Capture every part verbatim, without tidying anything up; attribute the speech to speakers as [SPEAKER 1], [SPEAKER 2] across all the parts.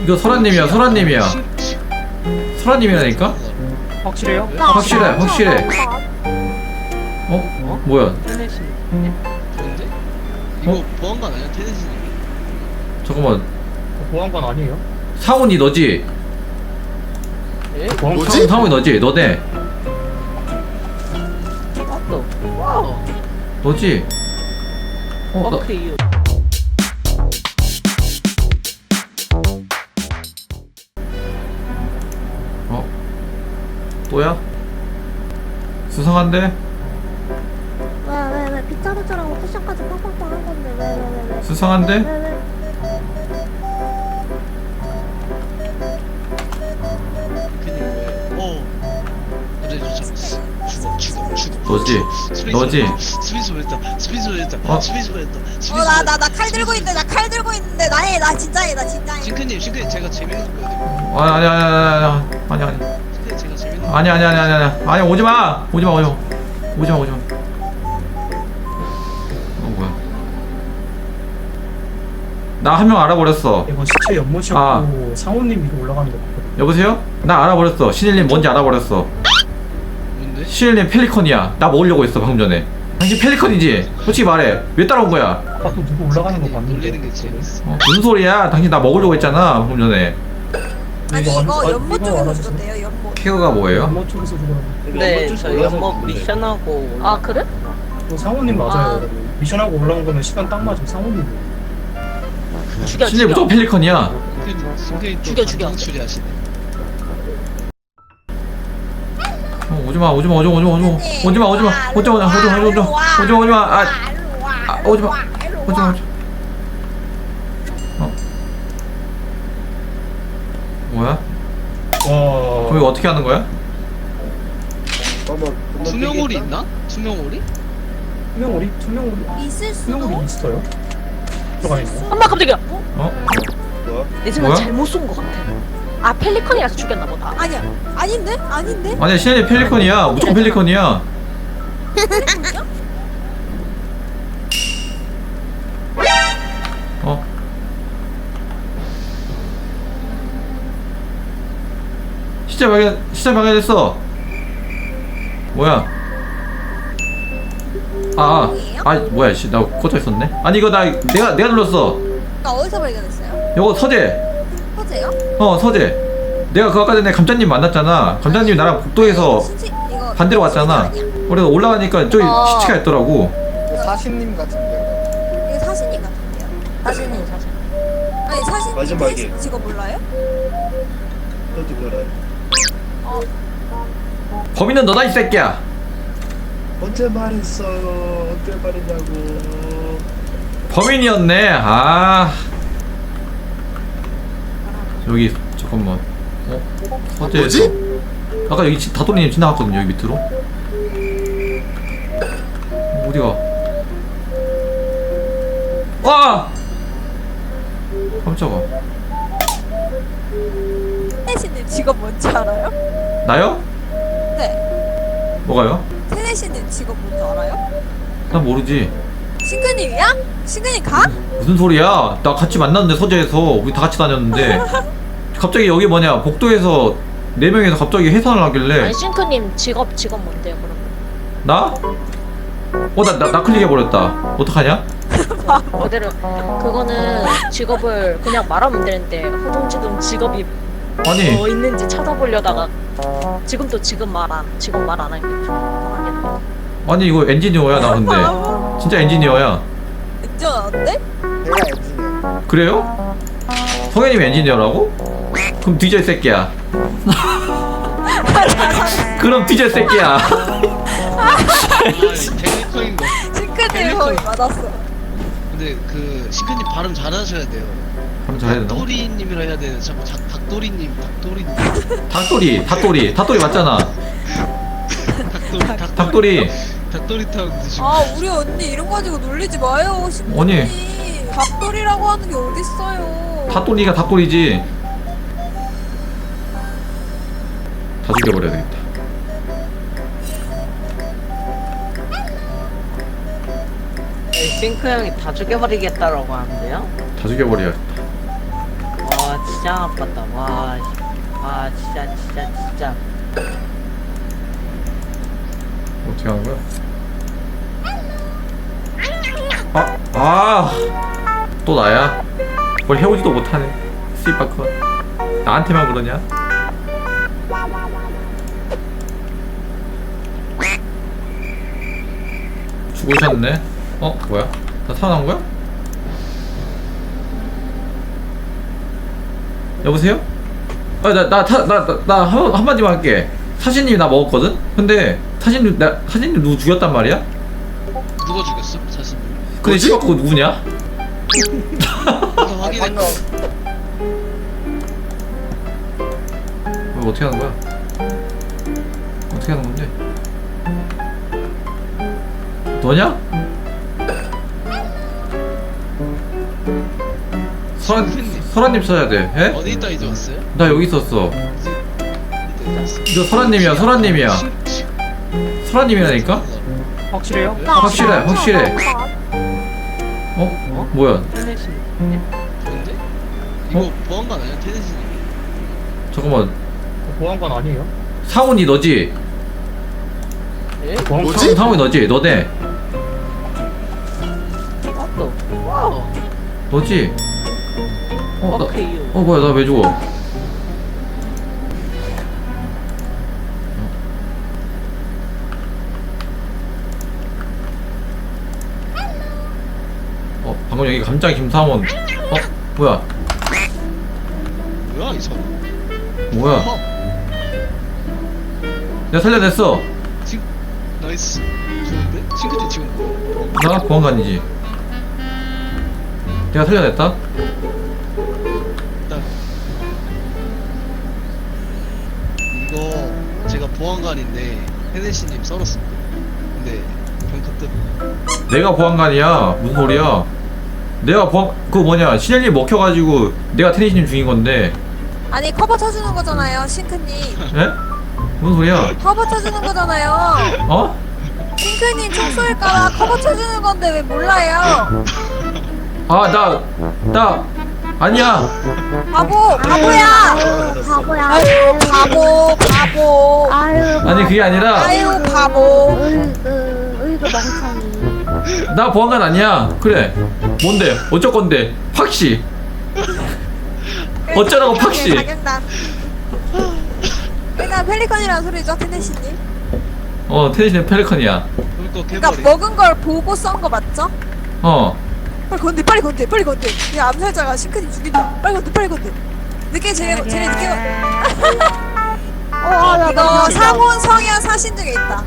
[SPEAKER 1] 이거 설아님이야, 설아님이야. 설아님이라니까?
[SPEAKER 2] 확실해요?
[SPEAKER 1] 확실해, 확실해. 어? 뭐야?
[SPEAKER 3] 테네시. 그런데? 이거
[SPEAKER 1] 어?
[SPEAKER 3] 보안관 아니야? 테네시님.
[SPEAKER 1] 잠깐만.
[SPEAKER 2] 보안관 아니에요?
[SPEAKER 1] 상훈이 너지?
[SPEAKER 3] 예?
[SPEAKER 2] 보안관
[SPEAKER 1] 상훈, 상훈이 너지? 너네.
[SPEAKER 3] 맞다. 와우.
[SPEAKER 1] 너지? 어, 나,
[SPEAKER 3] 오케이.
[SPEAKER 1] 어? 또야? 수상한데?
[SPEAKER 4] 왜 왜 왜 빗자루처럼 쿠션까지 팡팡팡 한 건데 왜 왜 왜 왜?
[SPEAKER 1] 수상한데?
[SPEAKER 4] 왜 왜?
[SPEAKER 3] 근데 왜? 어. 그래 좋죠. 죽어 죽어 죽어.
[SPEAKER 1] 너지?
[SPEAKER 3] 스페이스
[SPEAKER 1] 너지?
[SPEAKER 3] 웨이터, 스페이스 웨이터. 스페이스 웨이터.
[SPEAKER 1] 어?
[SPEAKER 3] 스페이스 웨이터. 스페이스
[SPEAKER 5] 어 나 나
[SPEAKER 3] 웨이터.
[SPEAKER 5] 나 칼 들고 있는데 나 칼 들고 있는데 나해 나 진짜해 나 진짜해.
[SPEAKER 3] 싱크님 싱크님 제가 재밌는 거 보여드릴게요.
[SPEAKER 1] 아니, 아니, 아니, 아니, 아니, 아니.
[SPEAKER 3] 싱크님 제가 재밌는 거.
[SPEAKER 1] 아니, 아니, 아니, 아니, 아니. 아니, 오지 마! 오지 마, 오지 마. 오지 마, 오지 마. 어, 뭐야. 나 한 명 알아버렸어.
[SPEAKER 2] 이거 시체 연못이었고
[SPEAKER 1] 아.
[SPEAKER 2] 상호님 위로 올라가는 거 같거든요.
[SPEAKER 1] 여보세요? 나 알아버렸어. 신일님 뭔지 알아버렸어.
[SPEAKER 3] 뭔데?
[SPEAKER 1] 신일님 펠리컨이야. 나 먹으려고 했어, 방금 전에. 당신 펠리컨이지? 솔직히 말해. 왜 따라온 거야?
[SPEAKER 2] 아까 또 누구 올라가는 거 봤는데.
[SPEAKER 3] 놀리는 게 재밌어.
[SPEAKER 1] 어, 무슨 소리야? 당신 나 먹으려고 했잖아, 방금 전에.
[SPEAKER 5] 아니
[SPEAKER 2] 이거
[SPEAKER 5] 이거
[SPEAKER 2] 안-
[SPEAKER 5] 연못
[SPEAKER 2] 이거
[SPEAKER 5] 쪽에서
[SPEAKER 2] 알아주세요.
[SPEAKER 5] 죽었대요 연못.
[SPEAKER 1] 케어가 뭐예요?
[SPEAKER 2] 연못 쪽에서 죽으라고.
[SPEAKER 6] 네, 저 연못 미션하고
[SPEAKER 7] 아 그래?
[SPEAKER 2] 또 상호님 맞아요.
[SPEAKER 7] 아.
[SPEAKER 2] 여러분. 미션하고 올라온 거면 시간 딱 맞으면 상호님.
[SPEAKER 7] 죽여
[SPEAKER 1] 신일
[SPEAKER 7] 죽여
[SPEAKER 1] 무조건 펠리컨이야.
[SPEAKER 3] 싱크님 싱크님 또
[SPEAKER 7] 죽여, 죽여.
[SPEAKER 3] 감정 추리하시네.
[SPEAKER 1] 어, 오지마, 오지마, 오지마, 오지마, 오지마. 오지마, 오지마, 오지마, 오지마, 오지마, 오지마, 오지마, 오지마. 아, 아, 오지마, 오지마, 오지마. 어? 뭐야?
[SPEAKER 2] 와.
[SPEAKER 1] 저기 어떻게 하는 거야?
[SPEAKER 3] 투명홀이 있나? 투명홀이?
[SPEAKER 2] 투명오리? 투명오리?
[SPEAKER 5] 있을 수도.
[SPEAKER 2] 투명오리 있어요? 들어가 있어.
[SPEAKER 7] 엄마 깜짝이야
[SPEAKER 1] 어?
[SPEAKER 7] 내 생각
[SPEAKER 1] 뭐야?
[SPEAKER 7] 잘못 쏜 거 같아 아 펠리컨이라서 죽였나 보다
[SPEAKER 5] 아니야 아닌데 아닌데.
[SPEAKER 1] 아니야, 신일이 펠리컨이야. 무조건 펠리컨이야. 어? 시체 발견, 시체 발견됐어. 뭐야? 아, 아, 아, 뭐야, 씨, 나 꽂혀 있었네. 아니 이거 나 내가 내가 눌렀어.
[SPEAKER 5] 나 어디서 발견했어요?
[SPEAKER 1] 이거 서재.
[SPEAKER 5] 허재요?
[SPEAKER 1] 어, 서재. 내가 그 아까 전에 감자님 만났잖아. 감자님 나랑 복도에서
[SPEAKER 5] 신지- 이거
[SPEAKER 1] 반대로 왔잖아.
[SPEAKER 5] 신지 아니야?
[SPEAKER 1] 그래서 올라가니까 저기
[SPEAKER 7] 어.
[SPEAKER 1] 시체가 있더라고.
[SPEAKER 8] 사신님 같은데.
[SPEAKER 5] 이거 사신이 같은데요?
[SPEAKER 7] 사진이 사진
[SPEAKER 5] 아니 사신
[SPEAKER 8] 마지막에.
[SPEAKER 5] 테스트 직업 몰라요?
[SPEAKER 8] 너도 그래.
[SPEAKER 1] 범인은 너다 이 새끼야.
[SPEAKER 8] 언제 말했어? 언제 말했냐고.
[SPEAKER 1] 범인이었네. 아. 여기 잠깐만. 어? 서재에서. 아까 여기 지- 다도리님 지나갔거든요. 여기 밑으로. 어, 어디가? 와! 깜짝아.
[SPEAKER 5] 테네시님 직업 뭔지 알아요?
[SPEAKER 1] 나요?
[SPEAKER 5] 네.
[SPEAKER 1] 뭐가요?
[SPEAKER 5] 테네시님 직업 뭔지 알아요?
[SPEAKER 1] 난 모르지.
[SPEAKER 5] 싱크님이야? 싱크님 가?
[SPEAKER 1] 무슨 소리야? 나 같이 만났는데 서재에서 우리 다 같이 다녔는데 갑자기 여기 뭐냐 복도에서 네 명이서 갑자기 해산을 하길래
[SPEAKER 7] 아니 싱크님 직업 직업 뭔데요 그럼
[SPEAKER 1] 나? 어 나 나 나 클릭해 버렸다. 어떡하냐?
[SPEAKER 7] 그대로 그거는 직업을 그냥 말하면 되는데 허둥지둥 직업이
[SPEAKER 1] 아니
[SPEAKER 7] 뭐 있는지 찾아보려다가 지금도 지금 말안 직업 말 안 하겠죠 편하겠네
[SPEAKER 1] 아니 이거 엔지니어야 나 근데 진짜 엔지니어야.
[SPEAKER 5] 진짜 어때?
[SPEAKER 8] 내가 엔지니어.
[SPEAKER 1] 그래요? 성현님 엔지니어라고? 그럼 뒤져 이 새끼야. 그럼 뒤져 이 새끼야.
[SPEAKER 3] 아, 펠리컨인 거.
[SPEAKER 5] 싱크님 거의 맞았어.
[SPEAKER 3] 근데 그 싱크님 발음 잘하셔야 돼요.
[SPEAKER 1] 그럼 잘해야 되나?
[SPEAKER 3] 닭도리님이라 해야 되는 자꾸 닭 닭도리님 닭도리님
[SPEAKER 1] 닭도리 닭도리 닭도리 맞잖아.
[SPEAKER 3] 닭도리 닭
[SPEAKER 1] 닭도리.
[SPEAKER 3] 닭도리 타운 드시고.
[SPEAKER 5] 아 우리 언니 이름 가지고 놀리지 마요 싱크님.
[SPEAKER 1] 언니.
[SPEAKER 5] 밥돌이라고 하는 게 어딨어요.
[SPEAKER 1] 닭도리가 닭도리지. 다 죽여버려야 되겠다.
[SPEAKER 6] 싱크 형이 다 죽여버리겠다라고 하는데요?
[SPEAKER 1] 다 죽여버려야겠다.
[SPEAKER 6] 와 진짜 짱 아팠다. 와, 씨. 아 진짜 진짜 진짜.
[SPEAKER 1] 어떻게 하는 거야? 아, 아, 또 나야? 뭘 해오지도 못하네. 씨바커. 나한테만 그러냐? 죽으셨네? 어, 뭐야? 나 살아난 거야? 여보세요? 아, 나, 나, 타, 나, 나, 나 한, 한마디만 할게. 사신님이 나 먹었거든? 근데, 사신님, 나, 사신님 누구 죽였단 말이야?
[SPEAKER 3] 누가 죽였어? 사실.
[SPEAKER 1] 근데 씨발 그거 누구냐?
[SPEAKER 3] 이거 확인했고.
[SPEAKER 1] 이거 어떻게 하는 거야? 어떻게 하는 건데? 너냐? 설아님, 설아님 써야 돼. 에?
[SPEAKER 3] 어디 있다 이제 왔어요?
[SPEAKER 1] 나 여기 있었어.
[SPEAKER 3] 이제 왔어.
[SPEAKER 1] 이거 설아님이야, 설아님이야. 설아님이라니까?
[SPEAKER 2] 확실해요?
[SPEAKER 3] 네?
[SPEAKER 1] 확실해, 확실해. 어? 뭐야?
[SPEAKER 6] 테네시.
[SPEAKER 3] 뭔데? 이거 보안관 아니야? 테니스님.
[SPEAKER 1] 잠깐만.
[SPEAKER 2] 보안관 아니에요?
[SPEAKER 1] 상훈이 너지?
[SPEAKER 6] 예?
[SPEAKER 2] 보안관
[SPEAKER 1] 상훈, 상훈이 너지? 너네?
[SPEAKER 6] 또. 와우.
[SPEAKER 1] 너지? 어, 나,
[SPEAKER 6] 오케이요.
[SPEAKER 1] 어 뭐야, 나 왜 죽어? 어, 방금 여기 감자 김사원. 어, 뭐야?
[SPEAKER 3] 뭐야 이 사람?
[SPEAKER 1] 뭐야?
[SPEAKER 3] 어,
[SPEAKER 1] 내가 살려냈어.
[SPEAKER 3] 친 나이스. 좋은데? 친구들 지금 뭐?
[SPEAKER 1] 나 보안관이지. 내가 살려냈다.
[SPEAKER 3] 일단 이거 제가 보안관인데 테니스님 썰었습니다. 근데 병카 때문에.
[SPEAKER 1] 내가 보안관이야. 무슨 소리야? 내가 보안 그 뭐냐 신현이 먹혀가지고 내가 테니스님 죽인 건데.
[SPEAKER 5] 아니 커버 쳐주는 거잖아요 싱크님.
[SPEAKER 1] 에? 무슨 소리야?
[SPEAKER 5] 커버 쳐주는 거잖아요.
[SPEAKER 1] 어?
[SPEAKER 5] 싱크님 총 쏠까봐 커버 쳐주는 건데 왜 몰라요?
[SPEAKER 1] 아, 나, 나, 아니야.
[SPEAKER 5] 바보 바보야.
[SPEAKER 4] 아유 바보야.
[SPEAKER 5] 아유 바보 바보.
[SPEAKER 4] 아유
[SPEAKER 1] 아니, 그게 아니라,
[SPEAKER 5] 아유 바보.
[SPEAKER 4] 으이그 으이그 멍청이.
[SPEAKER 1] 나 보안관 아니야. 그래. 뭔데? 어쩔 건데? 팍씨. 어쩌라고 팍씨.
[SPEAKER 5] 자격난. 일단 펠리컨이라는 소리죠 테네시님.
[SPEAKER 1] 어, 테니스는 펠리컨이야.
[SPEAKER 3] 그러니까
[SPEAKER 5] 그러니까
[SPEAKER 3] 개발이.
[SPEAKER 5] 먹은 걸 보고 썬 거 맞죠?
[SPEAKER 1] 어.
[SPEAKER 5] 빨리 건대 빨리 건대 빨리 건대. 이 암살자가 싱크님 죽인다. 빨리 건대 빨리 건대. 늦게 쟤네 쟤네 늦게 건.
[SPEAKER 4] 어야
[SPEAKER 5] 이거 상혼 성향 사신 중에 있다.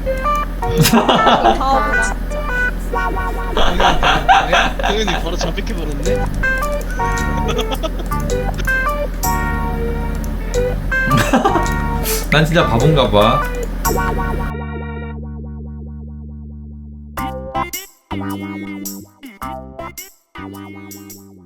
[SPEAKER 5] 바보 진짜.
[SPEAKER 3] 당연히 바로 잡히게 버렸네.
[SPEAKER 1] 난 진짜 바본가 봐.
[SPEAKER 4] 야